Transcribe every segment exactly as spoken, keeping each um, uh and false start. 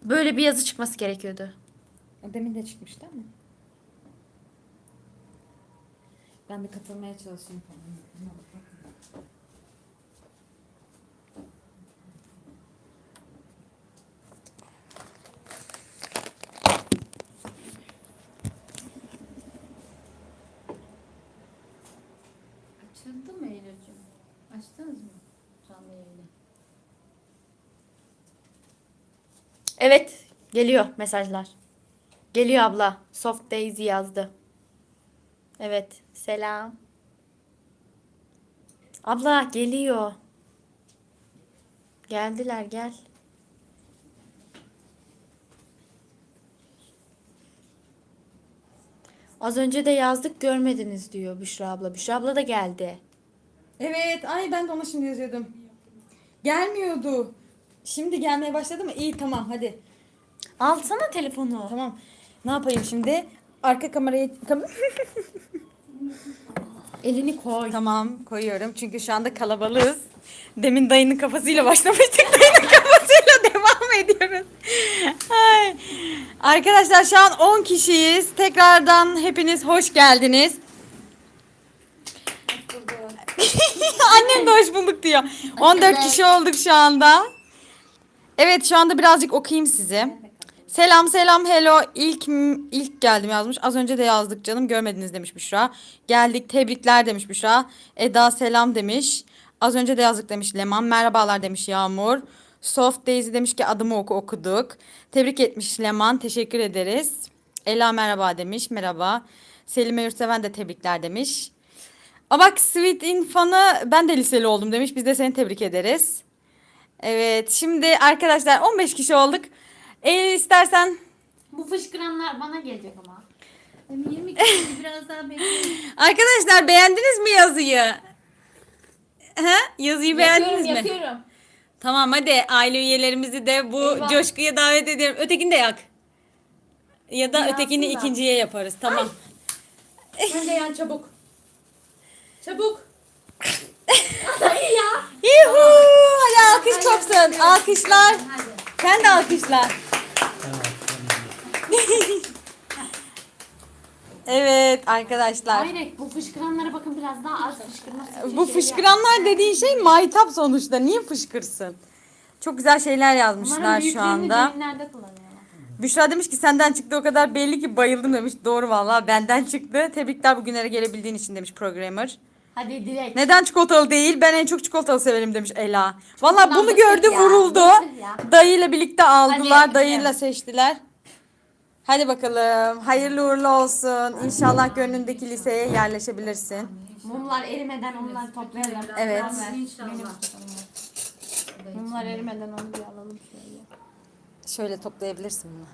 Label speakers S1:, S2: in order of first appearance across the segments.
S1: Böyle bir yazı çıkması gerekiyordu.
S2: O demin de çıkmıştı ama. Ben de katılmaya çalışayım.
S3: Açıldı mı Eylül'cüğüm? Açtınız mı canlı yayını?
S1: Evet, geliyor mesajlar. Geliyor abla. Soft Daisy yazdı. Evet, selam. Abla geliyor. Geldiler, gel. Az önce de yazdık görmediniz diyor Büşra abla. Büşra abla da geldi.
S2: Evet, ay ben de ona şimdi yazıyordum. Gelmiyordu. Şimdi gelmeye başladı mı? İyi, tamam, hadi.
S1: Alsana telefonu.
S2: Tamam. Ne yapayım şimdi? Arka kamerayı... Kam
S1: Elini koy.
S2: tamam, koyuyorum. Çünkü şu anda kalabalığız. Demin dayının kafasıyla başlamıştık. Dayının kafasıyla devam ediyoruz. Ay. Arkadaşlar şu an on kişiyiz. Tekrardan hepiniz hoş geldiniz. Annem de hoş bulduk diyor. on dört kişi olduk şu anda. Evet, şu anda birazcık okuyayım sizi. Selam selam hello ilk ilk geldim yazmış. Az önce de yazdık canım görmediniz demiş Büşra. Geldik tebrikler demiş Büşra. Eda selam demiş. Az önce de yazdık demiş Leman. Merhabalar demiş Yağmur. Soft Daisy demiş ki adımı oku okuduk. Tebrik etmiş Leman. Teşekkür ederiz. Ela merhaba demiş. Merhaba. Selime Yurtseven de tebrikler demiş. Aa bak Sweet Infan'ı ben de liseli oldum demiş. Biz de seni tebrik ederiz. Evet şimdi arkadaşlar on beş kişi olduk. Eğer istersen
S3: Bu fışkıranlar bana gelecek ama. Ben yirmi kişi biraz daha bekleyin.
S2: arkadaşlar beğendiniz mi yazıyı? He? Yazıyı beğendiniz
S3: Yapıyorum
S2: mi?
S3: yapıyorum.
S2: Tamam hadi aile üyelerimizi de bu
S3: Eyvah.
S2: coşkuya davet ediyorum. Ötekini de yak. Ya da
S3: Yansın
S2: ötekini
S3: da.
S2: ikinciye yaparız. Tamam.
S3: Sen de yan çabuk. Çabuk.
S2: Yuhu! Hadi alkış kopsun. Alkışlar.
S3: Hadi.
S2: Sen de alkışla. Evet arkadaşlar.
S3: Hayır bu fışkıranlara bakın biraz daha az fışkırması.
S2: Bu fışkıranlar dediğin şey maytap sonuçta. Niye fışkırsın? Çok güzel şeyler yazmışlar şu anda.
S3: Nerede kullanıyorlar?
S2: Büşra demiş ki senden çıktı o kadar belli ki bayıldım demiş. Doğru vallahi benden çıktı. Tebrikler bugünlere gelebildiğin için demiş programmer.
S3: Hadi direkt.
S2: Neden çikolatalı değil? Ben en çok çikolatalı severim demiş Ela. Vallahi bunu
S3: basit
S2: gördü
S3: ya,
S2: vuruldu.
S3: basit ya.
S2: Dayıyla birlikte aldılar.
S3: Hadi.
S2: Dayıyla seçtiler. Hadi bakalım. Hayırlı uğurlu olsun. İnşallah gönlündeki liseye yerleşebilirsin.
S3: Mumlar erimeden onları toplayalım.
S2: Evet.
S3: İnşallah. Mumlar erimeden onu bir alalım şöyle.
S2: Şöyle toplayabilirsin bunu.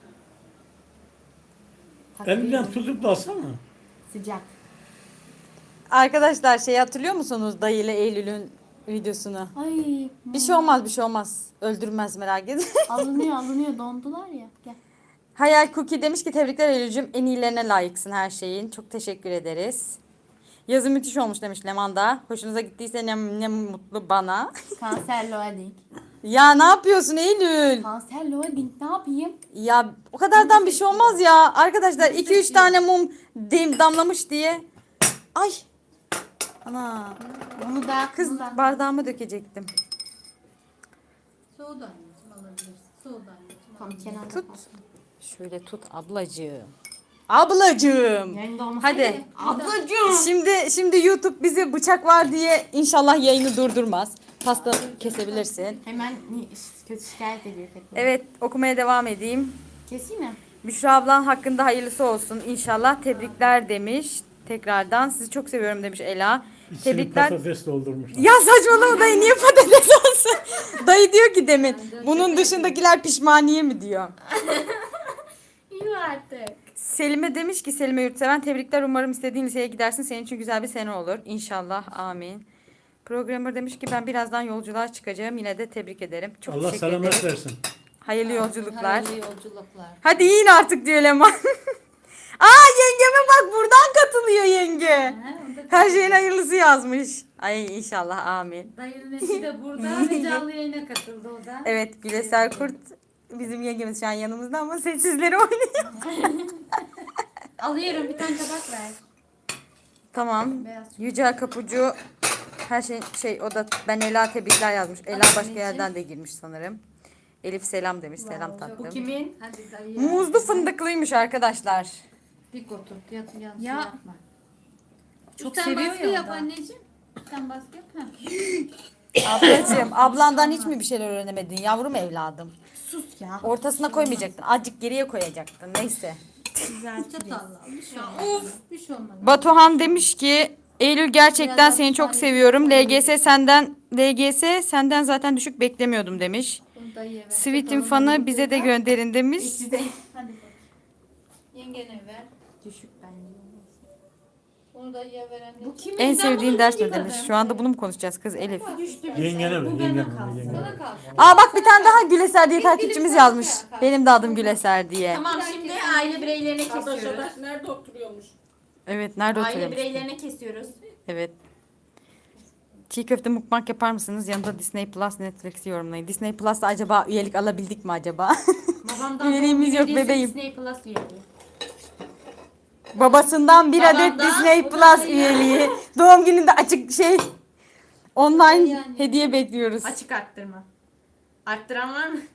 S4: Elinden tutup da alsana.
S3: Sıcak.
S2: Arkadaşlar şey hatırlıyor musunuz dayı ile Eylül'ün videosunu?
S3: Ay.
S2: Bir şey olmaz bir şey olmaz. Öldürmez merak etme.
S3: Alınıyor alınıyor dondular ya. Gel.
S2: Hayal Cookie demiş ki tebrikler Eylül'cüm en iyilerine layıksın her şeyin. Çok teşekkür ederiz. Yazı müthiş olmuş demiş Leman da. Hoşunuza gittiyse ne, ne mutlu bana.
S3: Kanser loading.
S2: Ya ne yapıyorsun Eylül?
S3: Kanser loading ne yapayım?
S2: Ya o kadardan bir şey olmaz ya. Arkadaşlar iki üç tane mum dem- damlamış diye. Ay. Ana.
S3: Bunu da
S2: Kız
S3: bunu da.
S2: bardağıma dökecektim.
S3: Soğudu anneciğim alabilirsin. Soğudu anneciğim. Tam kenarda
S2: Tut.
S3: kalsın.
S2: Şöyle tut ablacığım. Ablacığım.
S3: Yayında olmasaydı-
S2: Hadi.
S3: Ablacığım.
S2: Şimdi şimdi YouTube bizi bıçak var diye inşallah yayını durdurmaz. Pasta kesebilirsin.
S3: Hemen ni- kötü şikayet ediyor tekrar.
S2: Evet okumaya devam edeyim.
S3: Keseyim mi?
S2: Büşra ablan hakkında hayırlısı olsun inşallah. Tebrikler demiş. Tekrardan sizi çok seviyorum demiş Ela.
S4: İçini
S2: Tebrikler.
S4: patates doldurmuşlar.
S2: Ya saçmalama dayı niye patates olsun? Dayı diyor ki demin bunun dışındakiler pişmaniye mi diyor.
S3: İyi artık.
S2: Selime demiş ki Selime Yurtseven tebrikler umarım istediğin liseye gidersin senin için güzel bir sene olur. İnşallah amin. Programmer demiş ki ben birazdan yolculuğa çıkacağım yine de tebrik ederim. Çok
S4: Allah
S2: teşekkür
S4: selamet
S2: ederim.
S4: versin.
S2: Hayırlı yolculuklar.
S3: Hayırlı yolculuklar.
S2: Hadi yiyin artık diyor Leman. Aa yengeme bak buradan katılıyor yenge. Her şeyin hayırlısı yazmış. Ay inşallah amin.
S3: Dayının eşi de burada ve canlı yayına katıldı o da.
S2: Evet Güleser Kurt Bizim yengemiz şu an yanımızda ama sessizleri oynuyor.
S3: Alıyorum bir tane tabak ver.
S2: Tamam.
S3: Beyaz.
S2: Yücel Kapucu her şey şey o da ben Ela tebrikler yazmış. Ela başka yerden de girmiş sanırım. Elif selam demiş. Selam tatlım.
S3: Bu kimin? Hadi dayı.
S2: Muzlu fındıklıymış arkadaşlar.
S3: Dik otur. Yat, yanlış
S1: Ya.
S3: yapma.
S1: Çok
S3: Sen
S1: seviyor
S3: baskı
S1: ya
S3: yap
S1: o da.
S3: anneciğim. Sen baskı yap. Ha.
S2: Ablacığım ablandan hiç mi bir şeyler öğrenemedin yavrum evladım?
S3: Sus ya.
S2: Ortasına koymayacaktın. Azıcık geriye koyacaktın. Neyse.
S3: Çatalla. Bir şey olmaz. Bir şey olmaz.
S2: Batuhan demiş ki Eylül gerçekten
S3: Biraz
S2: seni çok
S3: hapishaneye
S2: seviyorum. L G S senden L G S senden zaten düşük beklemiyordum demiş.
S3: Bunu dayıya ver.
S2: Sweet'in fanı bize de gönderin demiş.
S3: Hadi bak. Yengene ver.
S1: Düşük bence.
S3: Bunu dayıya ver anne. Bu kimin?
S2: En sevdiğin ders ne demiş. Şu anda bunu mu konuşacağız kız Elif?
S4: Yengene ver, yengene ver, yengene ver.
S3: Sana kalsın.
S2: Aa bak bir tane daha Güleser diye takipçimiz yazmış. Benim de adım Güleser diye.
S5: Tamam şimdi aile bireylerine kesiyoruz.
S6: Nerede oturuyormuş?
S2: Evet nerede
S5: Aile
S2: oturuyormuş?
S5: bireylerine kesiyoruz.
S2: Evet. Çiğ köfte mukbang yapar mısınız? Yanında Disney Plus, Netflix'i yorumlayın. Disney Plus'ta acaba üyelik alabildik mi acaba?
S5: Babamdan
S2: Üyeliğimiz yok
S5: hediyesi
S2: bebeğim.
S5: Disney Plus üyeliği.
S2: Babasından bir adet
S5: Babamdan,
S2: Disney
S5: bu da
S2: Plus
S5: şey.
S2: üyeliği. Doğum gününde açık şey online hediye bekliyoruz.
S5: Açık arttırma. Arttıran var mı?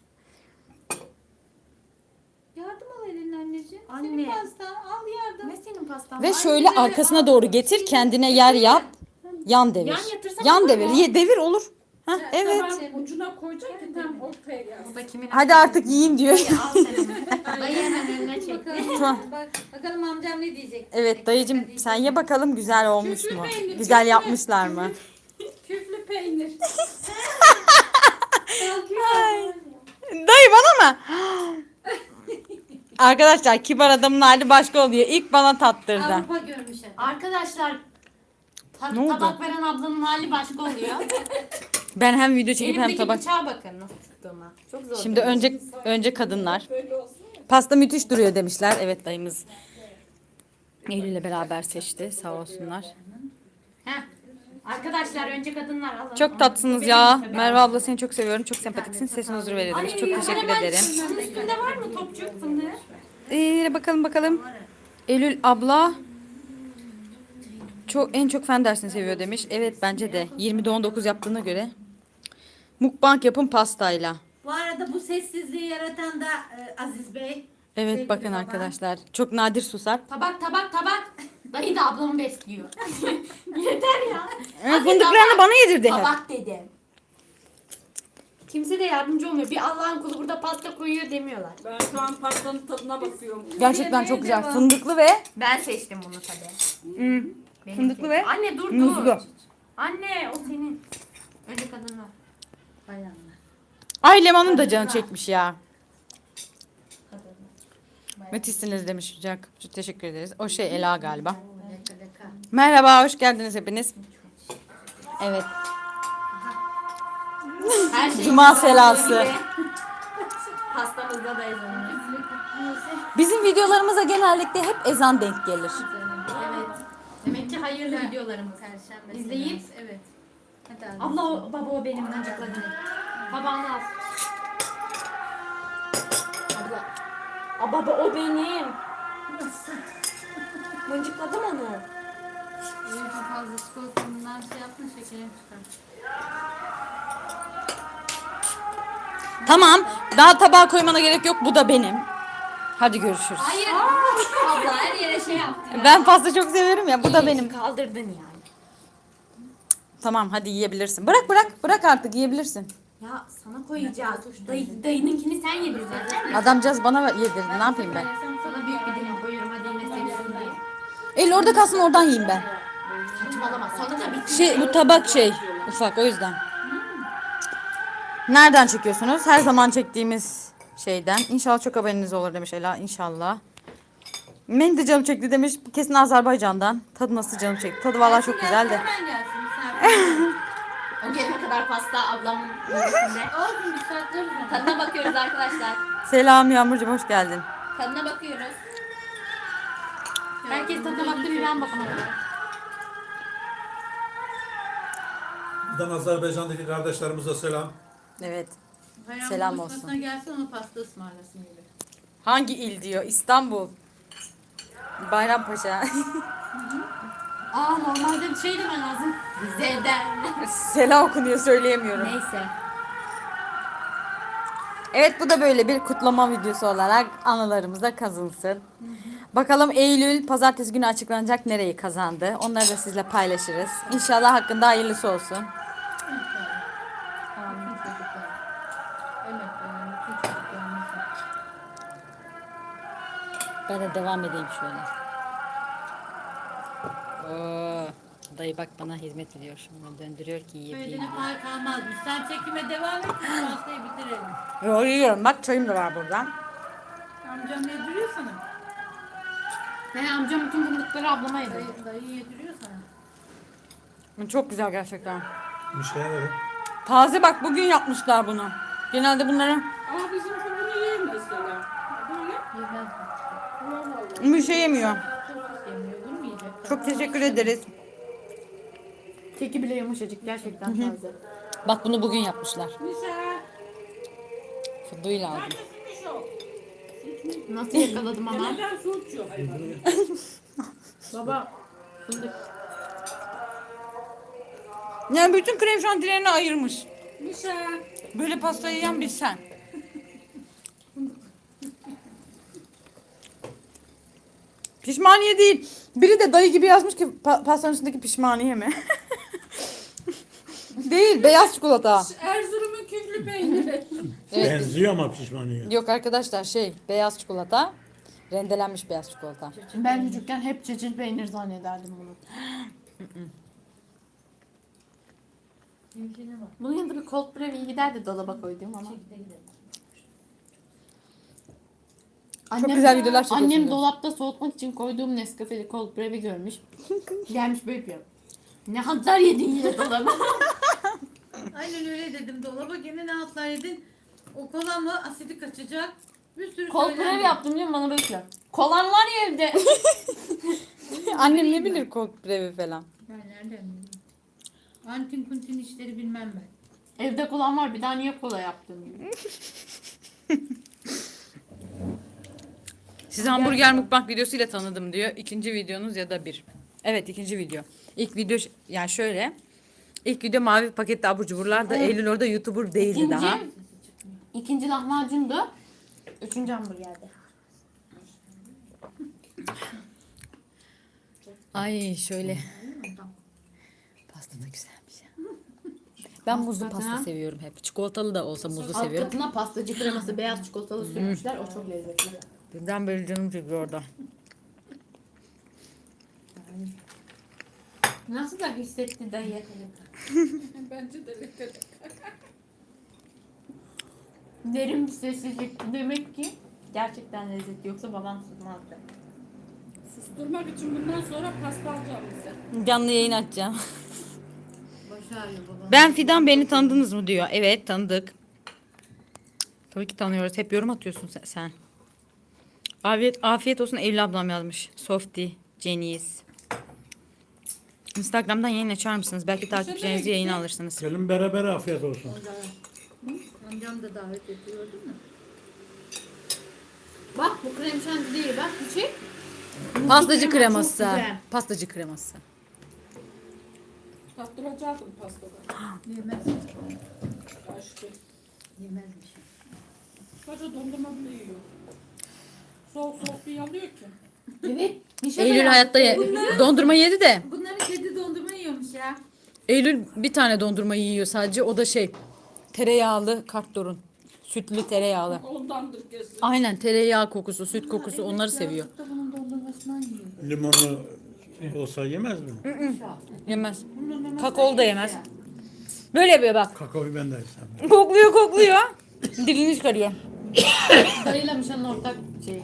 S3: Yardım al elin anneciğim.
S5: Anne.
S3: Senin pastan al yardım.
S5: Ne senin pastan?
S2: Ve
S5: var?
S2: şöyle arkasına doğru getir, kendine yer yap. Yan devir.
S5: Yan yatırsana
S2: Yan
S5: olur
S2: devir.
S5: mu?
S2: Ye devir olur. Hah, evet.
S6: Tamam, ucuna koyacak ki tam ortaya gelsin.
S5: Bu da kimin?
S2: Hadi artık yiyin diyor.
S5: Al sen onu. Dayı hemen önüne çek.
S3: Bakalım, bak, bakalım amcam ne diyecek.
S2: Evet dayıcım sen ye bakalım güzel olmuş mu? Güzel yapmışlar mı?
S6: Küflü peynir.
S2: Dayı bana mı? Arkadaşlar kibar adamın hali başka oluyor. İlk bana tattırdı.
S3: Avrupa görmüş hep.
S5: Arkadaşlar ta-
S2: Ne oldu?
S5: tabak veren ablanın hali başka oluyor.
S2: Ben hem video çekip hem
S5: Elimdeki
S2: tabak.
S5: bıçağa bakın nasıl tuttuğuma. Çok zor.
S2: Şimdi önce önce kadınlar.
S6: Böyle olsun ya.
S2: Pasta müthiş duruyor demişler. Evet dayımız Eylül'le beraber seçti. Sağ olsunlar.
S5: Heh. Arkadaşlar önce kadınlar alın.
S2: Çok tatlısınız ya. Merve abla seni çok seviyorum. Çok sempatiksin. Sesin huzur verir demiş. Çok teşekkür ederim.
S5: Şunun üstünde var mı topçuk fındığı?
S2: Ee, bakalım bakalım. Eylül abla çok en çok fen dersini seviyor demiş. Evet bence de. yirmide on dokuz yaptığına göre. Mukbang yapın pastayla.
S7: Bu arada bu sessizliği yaratan da e, Aziz Bey.
S2: Evet
S7: Sevgili
S2: bakın
S7: baba.
S2: arkadaşlar. Çok nadir susar.
S5: Tabak tabak tabak. Dayı da ablamı besliyor. Yeter ya.
S2: Evet, fındıklarını bana yedirdi hep.
S5: Tabak dedim. Kimse de yardımcı olmuyor. Bir Allah'ın kulu burada pasta koyuyor demiyorlar.
S6: Ben şu an pastanın tadına bakıyorum.
S2: Gerçekten çok güzel. Fındıklı ve
S5: Ben seçtim bunu tabii.
S2: hmm,
S5: Benim
S2: Fındıklı
S5: seçtim.
S2: ve
S5: Anne dur dur.
S2: muzlu.
S5: Anne o senin. Önce kadınlar.
S3: Bayanlar.
S2: Ay Leman'ın da canı çekmiş ya. Müthişsiniz demiş Yücel Kapıcı. Teşekkür ederiz. O şey Ela galiba.
S3: Leka leka.
S2: Merhaba, hoş geldiniz hepiniz. Evet.
S5: Her şey
S2: Cuma selası.
S5: Pastamızda da ezanımız.
S2: Bizim videolarımıza genellikle hep ezan denk gelir.
S5: Evet. Demek ki hayırlı videolarımız.
S3: Perşembe.
S5: İzleyip.
S3: seansı, Evet. Hadi abi.
S5: Abla o, baba o benim mıncıkladım. Babağını al. Abla. Aa, baba o benim. Mıncıkladım onu.
S3: Çok fazla çikolatanından şey yapma şekerim çıkar.
S2: Tamam, daha tabağa koymana gerek yok. Bu da benim. Hadi görüşürüz.
S5: Hayır. Abla her yere şey yaptı.
S2: Ben pasta çok severim ya. Bu da benim.
S5: Kaldırdın yani.
S2: Tamam, hadi yiyebilirsin. Bırak bırak, bırak artık yiyebilirsin.
S5: Ya sana koyacağız. Dayı, dayınınkini sen yedireceksin.
S2: Adamcağız bana ver- yedirdi. Ne yapayım ben?
S5: Sana büyük bir dilim koyuyorum hadi yine seviyorsun diye.
S2: El orada kalsın, oradan yiyeyim ben.
S5: Saçmalama sana da bitti.
S2: Şey, bu tabak şey, ufak o yüzden. Nereden çekiyorsunuz? Her zaman çektiğimiz şeyden. İnşallah çok haberiniz olur demiş Ela. İnşallah. Benim de canım çekti demiş. Kesin Azerbaycan'dan. Tadı nasıl canım çekti? Tadı vallahi çok güzel de.
S3: Hemen gelsin misafir.
S5: O gelene kadar pasta ablamın önünde.
S3: Olsun bir saatler üzerine.
S5: Tadına bakıyoruz arkadaşlar.
S2: Selam Yağmurcuğum, hoş geldin.
S5: Tadına bakıyoruz. Herkes tadına baktı bir ben bakamadım.
S8: Buradan Azerbaycan'daki kardeşlerimize selam.
S2: Evet.
S7: Bayram
S2: Selam
S7: buluşmasına
S2: olsun.
S7: gelsin ona pasta ısmarlasın gibi.
S2: Hangi il diyor? İstanbul. Bayrampaşa.
S5: Aa normalde bir şey demen lazım. Rize'den.
S2: Sela okunuyor söyleyemiyorum.
S5: Neyse.
S2: Evet bu da böyle bir kutlama videosu olarak anılarımıza kazınsın. Bakalım Eylül pazartesi günü açıklanacak nereyi kazandı. Onları da sizle paylaşırız. İnşallah hakkında hayırlısı olsun.
S7: Amin çocuklar. Evet, yani bütün çocuklarımızın.
S2: Ben de devam edeyim şöyle. Oo, dayı bak bana hizmet ediyor. Şunu döndürüyor ki yiyebileyim.
S7: Söylediğine pay kalmazmış. Sen çekime devam et. Biz pastayı bitirelim.
S2: Yo yiyorum bak çayım da var burada.
S7: Amcam yediriyor sana.
S5: He amcam bütün fındıkları ablama yedi.
S7: Dayı, dayı yediriyor sana.
S2: Çok güzel gerçekten.
S4: Bir şey verin.
S2: Taze bak bugün yapmışlar bunu. Genelde bunları
S6: Ama bizimki bunu yiyemezler. Böyle
S7: Yemez mi?
S6: vallahi.
S2: bir şey yemiyor.
S7: Sosis yemiyor. Bunu mu yiyecek?
S2: Çok teşekkür ederiz.
S5: Keki bile yumuşacık gerçekten taze.
S2: Bak bunu bugün yapmışlar.
S6: Nişan.
S2: Fıdığıyla aldım.
S6: Neredesin o?
S5: Nasıl yakaladım ama?
S6: Neden su içiyor hayvan?
S5: Baba fındık.
S2: Yani bütün krem şantilerini ayırmış.
S6: Nişan.
S2: Böyle pastayı yiyen bir sen. Pişmaniye değil. Biri de dayı gibi yazmış ki pa- pastanın üstündeki pişmaniye mi? Değil, beyaz çikolata.
S6: Erzurum'un küflü peyniri.
S2: Evet.
S4: Benziyor ama pişmaniye.
S2: Yok arkadaşlar şey, beyaz çikolata. Rendelenmiş beyaz çikolata.
S5: Ben çocukken hep çeçil peynir zannederdim bunu.
S7: Mümküne bak.
S5: Bunun yanında bir cold brew iyi giderdi dolaba koyduğum ama.
S7: Çekide gidelim.
S5: Annem,
S2: güzel videolar çekiyorsun
S5: Annem
S2: diyor.
S5: dolapta soğutmak için koyduğum Nescafe'li cold brew'i görmüş. Gelmiş böyle yapıyor. Ne hazar yedin yine dolaba.
S7: Aynen öyle dedim. Dolaba gene ne atlar yedin? O kola mı? Asidi kaçacak. Bir sürü
S5: Cold
S7: söylendi.
S5: brew yaptım diyorum bana böyle yapıyor. Kolan var ya evde.
S2: Annem ne bilir cold brevi falan.
S7: Ben nereden bileyim? Antin kuntin işleri bilmem ben.
S5: Evde kolan var bir daha niye kola yaptın diyor.
S2: Sizi hamburger mukbang videosuyla tanıdım diyor. İkinci videonuz ya da bir. Evet ikinci video. İlk video ş- yani şöyle. İlk video mavi paketli abur cuburlar da Eylül orada YouTuber değildi
S5: İkinci,
S2: daha.
S5: ikinci lahmacundu. Üçüncü hamburgerdi.
S2: Ay şöyle. Pasta da güzelmiş ya. Ben muzlu
S5: Hakikaten
S2: pasta
S5: ha.
S2: seviyorum hep. Çikolatalı da olsa muzlu
S5: Alt
S2: seviyorum.
S5: katına pastacı kreması beyaz çikolatalı sürmüşler. O çok lezzetli.
S2: Birden böyle canım çekiyor orada.
S5: Nasıl da hissetti dayı?
S6: Bence de lezzetli.
S5: Derin bir sessizlik. Demek ki gerçekten lezzetli. Yoksa babam susmazdı.
S6: Susturmak için bundan sonra pasta alacağım bize.
S2: Canlı yayın açacağım.
S7: Başı ağrıyor babam.
S2: Ben Fidan beni tanıdınız mı diyor. Evet tanıdık. Tabii ki tanıyoruz. Hep yorum atıyorsun sen. sen. Afiyet, afiyet olsun Evli ablam yazmış. Softy, Ceniz. Instagram'dan yayın açar mısınız? Belki takipçilerinizi yayına alırsınız.
S4: Gelin beraber afiyet olsun.
S7: Amcam da davet ediyor değil mi?
S5: Bak bu krem şanti değil. Bak bir şey.
S2: Pastacı
S5: Çok
S2: kreması.
S5: güzel.
S2: Pastacı kreması.
S6: Tattıracaktım pastada.
S7: Yemez.
S6: Aşkı.
S7: Yemezmiş.
S6: Sadece dondurma bile yiyor. Soğuk soğuk bir alıyor ki.
S5: Evet. Nişan
S2: Eylül hayatta ye- dondurma yedi de.
S7: Bunların kedi dondurma yiyormuş ya.
S2: Eylül bir tane dondurma yiyor sadece. O da şey tereyağlı kartdorun. Sütlü tereyağlı.
S6: Ondandır kesin.
S2: Aynen tereyağı kokusu, süt kokusu onları seviyor.
S7: Birazcık da bunun dondurmasından yiyor.
S4: Limonlu olsa yemez mi?
S2: Yemez. Kakaolu da yemez. Böyle yapıyor bak.
S4: Kakaoyu ben de istemem.
S2: Kokluyor kokluyor. Dilini çıkarıyor.
S5: Dayıyla Mişan'ın ortak şeyi.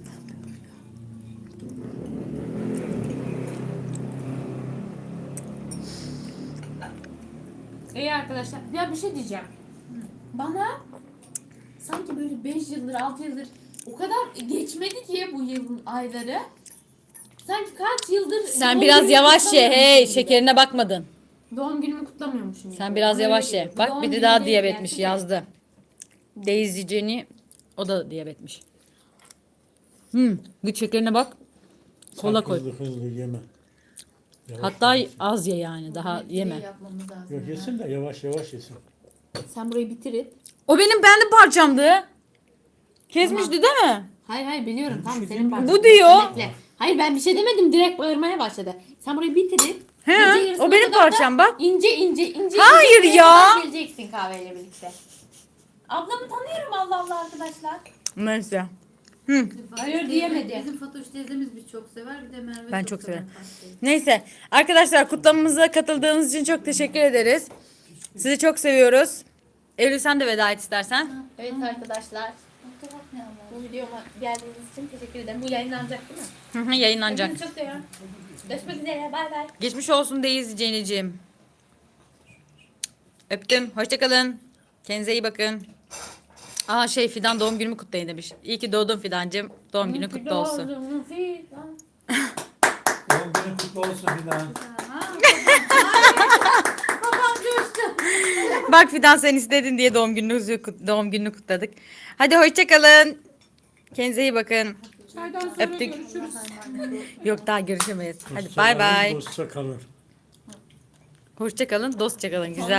S5: İyi arkadaşlar. Ya bir şey diyeceğim. Bana sanki böyle beş yıldır, altı yıldır o kadar geçmedi ki bu yılın ayları. Sanki kaç yıldır...
S2: Sen
S5: doğum
S2: biraz
S5: günümü
S2: yavaş ye.
S5: kutlamıyormuşum
S2: Hey
S5: gibi.
S2: şekerine bakmadın.
S5: Doğum günümü kutlamıyormuşum gibi.
S2: Sen biraz
S5: Öyle
S2: yavaş ye.
S5: geliyor.
S2: Bak
S5: Doğum
S2: bir de
S5: günü
S2: daha
S5: değil
S2: diyabetmiş
S5: gerçi de.
S2: yazdı. Daisy Jenny o da diyabetmiş. Hmm, güç şekerine bak. Kola koy.
S4: Hızlı hızlı yeme. Yavaş
S2: Hatta
S4: yavaş.
S2: az ye yani daha yeme.
S5: Yapmamız lazım.
S4: Yok yesin de yavaş yavaş yesin.
S1: Sen burayı bitirin.
S2: O benim benim parçamdı. Kesmişti değil mi?
S5: Hayır hayır biliyorum tamam senin parçan.
S2: Bu diyor.
S5: Bekle. Hayır ben bir şey demedim direkt bağırmaya başladı. Sen burayı bitirip
S2: He,
S5: gece yarısına
S2: o benim
S5: kadar da
S2: parçam bak.
S5: İnce ince ince
S2: Hayır
S5: ince
S2: ya.
S5: buraya geleceksin kahveyle birlikte. Ablamı tanıyorum Allah Allah arkadaşlar.
S2: Neyse.
S5: Hayır diyemedi.
S7: Bizim Fatoş teyzemiz bir çok sever bir de Merve
S2: Ben
S7: çok,
S2: çok
S7: sever
S2: severim.
S7: pastayı.
S2: Neyse arkadaşlar kutlamamıza katıldığınız için çok teşekkür ederiz. Sizi çok seviyoruz. Eylül sen de veda et istersen.
S5: Evet arkadaşlar. Bu videoma geldiğiniz için teşekkür ederim. Bu yayınlanacak değil mi?
S2: Hı hı, Yayınlanacak.
S5: Hepinizi çok seviyorum. Görüşmek üzere. Bay bay.
S2: Geçmiş olsun Daisy Jenny'ciğim. Öptüm. Hoşçakalın. Kendinize iyi bakın. Aa şey Fidan doğum günümü kutlayın demiş. İyi ki doğdun Fidancığım. Doğum günün kutlu olsun.
S4: Doğum günün kutlu olsun Fidan.
S2: Bak Fidan sen istedin diye doğum gününüzü doğum gününü kutladık. Hadi hoşçakalın. Kendinize iyi bakın.
S6: Çaydan sonra
S2: Öptük.
S6: görüşürüz.
S2: Yok daha görüşemeyiz. Hadi
S4: Dostça
S2: bay
S4: kalır,
S2: bay.
S4: Dostça kalır.
S2: Hoşçakalın. Dostça kalın. Güzel.